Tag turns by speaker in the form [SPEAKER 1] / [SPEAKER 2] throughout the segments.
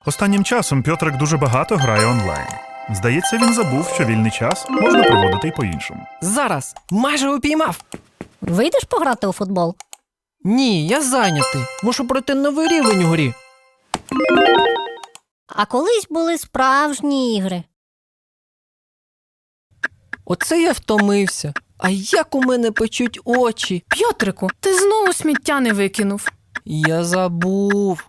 [SPEAKER 1] Останнім часом Пьотрик дуже багато грає онлайн. Здається, він забув, що вільний час можна проводити й по-іншому.
[SPEAKER 2] Зараз! Майже упіймав!
[SPEAKER 3] Вийдеш пограти у футбол?
[SPEAKER 2] Ні, я зайнятий. Мушу пройти новий рівень у грі.
[SPEAKER 3] А колись були справжні ігри.
[SPEAKER 2] Оце я втомився. А як у мене печуть очі?
[SPEAKER 4] Пьотрику, ти знову сміття не викинув.
[SPEAKER 2] Я забув.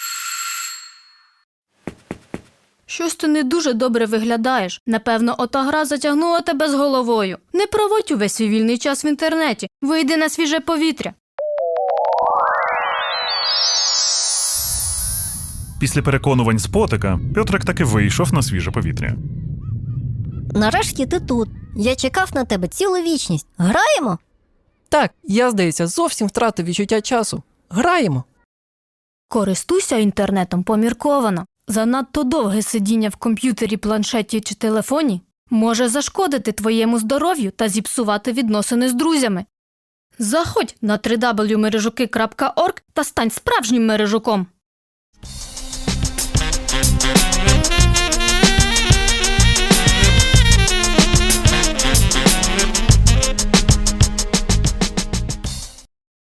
[SPEAKER 4] Щось ти не дуже добре виглядаєш. Напевно, ота гра затягнула тебе з головою. Не проводь увесь свій вільний час в інтернеті. Вийди на свіже повітря.
[SPEAKER 1] Після переконувань з Потика Пьотрик таки вийшов на свіже повітря.
[SPEAKER 3] Нарешті ти тут. Я чекав на тебе цілу вічність. Граємо?
[SPEAKER 2] Так, я, здається, зовсім втратив відчуття часу. Граємо.
[SPEAKER 4] Користуйся інтернетом помірковано. Занадто довге сидіння в комп'ютері, планшеті чи телефоні може зашкодити твоєму здоров'ю та зіпсувати відносини з друзями. Заходь на www.мережуки.org та стань справжнім мережуком.